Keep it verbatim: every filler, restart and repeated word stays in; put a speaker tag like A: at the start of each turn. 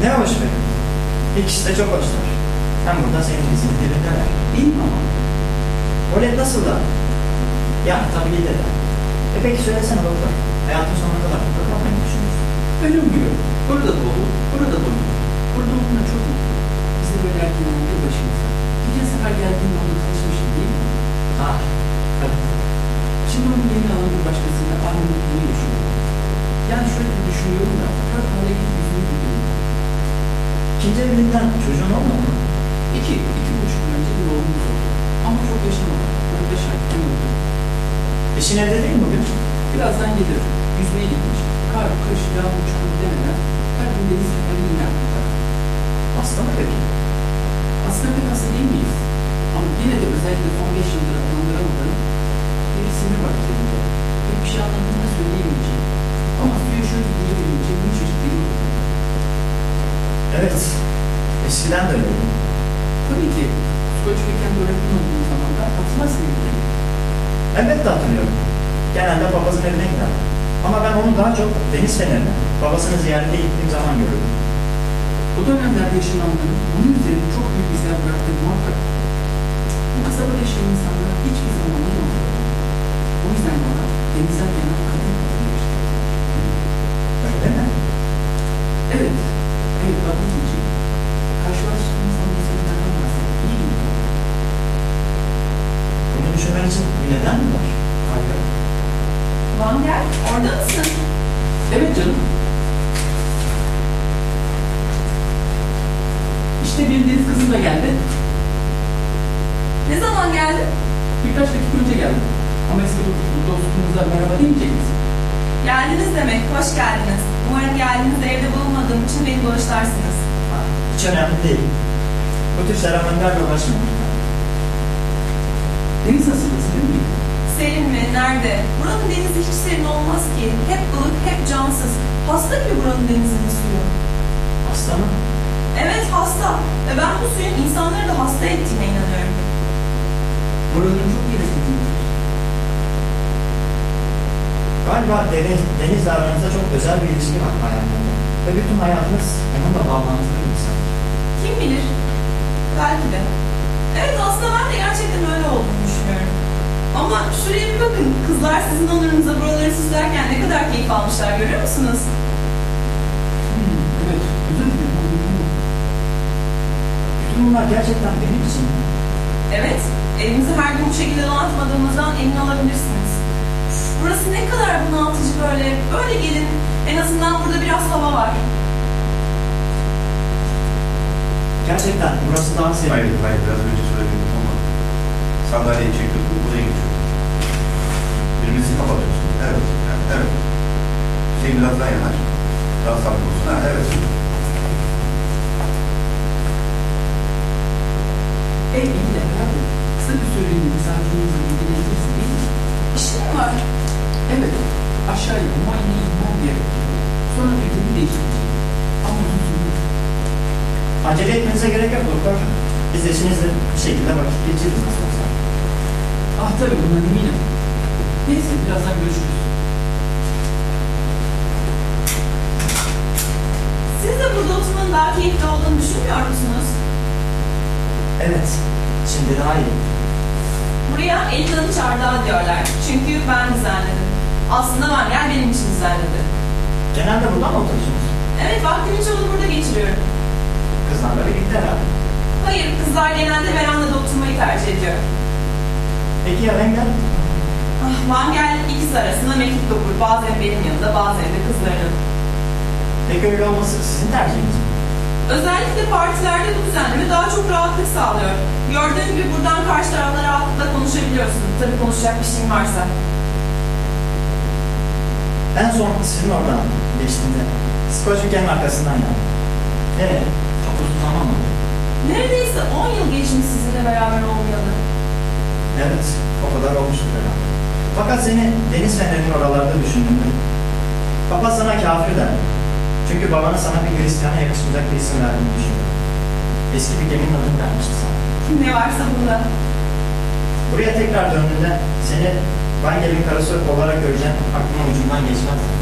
A: Ne hoş be. İkisi de çok hoşlar. Hem burada senin dizinin dilindeler.
B: Bilmem ama.
A: Volet nasıl da? Yani tabii de de. E peki söylesene doktor. Hayatın sonuna kadar burada kalmayı mı düşünüyorsun?
B: Ölüm diyor. Burada doğdu, burada doğdu. Burada olduğuna çok mutlu. Biz de böyle erken bir başımıza. Geçen sefer geldiğinde onunla tanışmıştım değil mi?
A: Ha, tabii.
B: Şimdi onun yeni alan bir başkasıyla aynı mutluluğu yaşıyor. Yani şöyle bir düşünüyorum da, her hale gidip yüzünü gidiyorum.
A: İkinci evliliğinden çocuğun olmadı mı?
B: İki, iki buçuk yıl önce bir oğlumuz oldu. Ama çok yaşamadı. Dört beş ay kim oldu?
A: Eşin evde değil mi bugün?
B: Birazdan gelir. Yüzmeye gitmiş. Kar, kış, yağmur, çukur demeden her gün deniz kenarı iner tutar.
A: Hasta mı peki?
B: Aslında pek hasta değil miyiz? Ama yine de özellikle son beş yıldır adlandıramadığım bir sinir var üzerinde. Pek bir şey anladığını söyleyemeyeceğim. Ama suya şöyle girebilince bir çocuk değil mi?
A: Evet. Eskiden de öyleydi.
B: Tabii ki. Skoçya'yken öğretmen olduğum zamanlar hatırlarsın gibi.
A: Elbette hatırlıyorum. Genelde babasının evine gider. Ama ben onu daha çok deniz fenerine, babasını ziyarete gittiğim zaman görürdüm.
B: O dönemlerde yaşananların bunun üzerine çok büyük izler bıraktığı muhakkak. Bu kasabada yaşayan insanlar hiçbir zaman olmadı. O yüzden bana denizden gelen kadın kadın geçti.
A: Öyle mi?
B: Evet, evet kadın diyeceğim. Karşılaştığımız zaman insanlardan bahsedip iyi mi?
A: Bunu düşünmen için bir neden mi var?
B: Hayır.
C: Vanger, orada mısın?
B: Evet canım. İşte bir deniz kızım da geldi.
C: Ne zaman geldin?
B: Birkaç dakika önce geldi. Ama eski dostumuza merhaba demeyecek misin?
C: Geldiniz demek, hoş geldiniz. Umarım geldiğinizde evde bulunmadığım için beni bağışlarsınız.
A: Ha, hiç önemli değil. Bu tür seremonilerle uğraşmıyorum.
B: Deniz nasıl değil mi?
C: Serin mi? Nerede? Buranın denizi hiç serin olmaz ki. Hep ılık, hep cansız. Hasta gibi buranın denizinin suyu.
A: Hasta mı?
C: Evet, hasta. Ve ben bu suyun insanları da hasta ettiğine inanıyorum.
B: Buraların çok yönetiliyor.
A: Galiba deniz, denizle aranızda çok özel bir ilişki var hayatında. Ve bütün hayatınız onunla bağlantılı bir insan.
C: Kim bilir? Belki de. Evet, aslında ben de gerçekten öyle olduğunu düşünüyorum. Ama şuraya bir bakın. Kızlar sizin onurunuza buraları süslerken ne kadar keyif almışlar, görüyor musunuz?
B: Hmm, evet, özür dilerim.
A: Bütün bunlar gerçekten benim için mi?
C: Evet, evimizi her gün bu şekilde donatmadığımızdan emin olabilirsiniz. Burası ne kadar bunaltıcı böyle. Böyle gelin. En azından burada biraz hava var.
A: Gerçekten burası daha serin.
D: Hayır, hayır. Biraz önce söyledim ama sandalyeyi çekip buraya geçiyorum. Birbirinizi kapatıyorsunuz. Evet, yani, evet. Şey biraz daha yanar. Daha sabit olsun. Ha, evet.
B: Ey iyi de herhalde kısa bir süreliğine misafirinizle ilgilenirsin değil mi?
C: İşin mi var?
B: Evet, aşağıya muayene inmem gerekiyor. Sonra ülkemi değiştireceğim. Ama uzun sürmez.
A: Acele etmenize gerek yok doktor. Biz eşinizle bir şekilde vakit geçiririz nasıl olsa.
B: Ah tabii bundan eminim. Neyse birazdan görüşürüz.
C: Siz de burada oturmanın daha keyifli olduğunu düşünmüyor musunuz?
A: Evet, şimdi daha iyi.
C: Buraya Elif'in çardağı diyorlar. Çünkü ben düzenledim. Aslında Vanger benim için düzenledi.
A: Genelde burada mı oturuyorsunuz?
C: Evet, vaktimi çoğunu burada geçiriyorum.
A: Kızlarla birlikte herhalde.
C: Hayır, kızlar genelde verandada oturmayı tercih ediyor.
A: Peki ya Wenger?
C: Ah, Vanger ikisi arasında mektup okur. Bazen benim yanımda, bazen de kızlarının.
A: Peki öyle olması sizin tercihiniz mi?
C: Özellikle partilerde bu düzenleme daha çok rahatlık sağlıyor. Gördüğün gibi buradan karşı tarafla rahatlıkla konuşabiliyorsun. Tabii konuşacak bir şeyin varsa.
A: En son sizin oradan geçtiğinde Skoçya'nın arkasından geldim. Evet, çok uzun zaman oldu.
C: Neredeyse on yıl geçmiş sizinle beraber olmayalı.
A: Evet, o kadar olmuştur herhalde. Fakat seni deniz fenerinin oralarda düşündüğümde baba sana kafir der. Çünkü babana sana bir Hristiyan'a yakışmayacak bir isim verdiğini düşünüyorum. Eski bir geminin adını vermişti sana.
C: Ne varsa bunda.
A: Buraya tekrar döndüğünde seni Vangel'in karısı olarak göreceğim aklıma ucundan geçmez.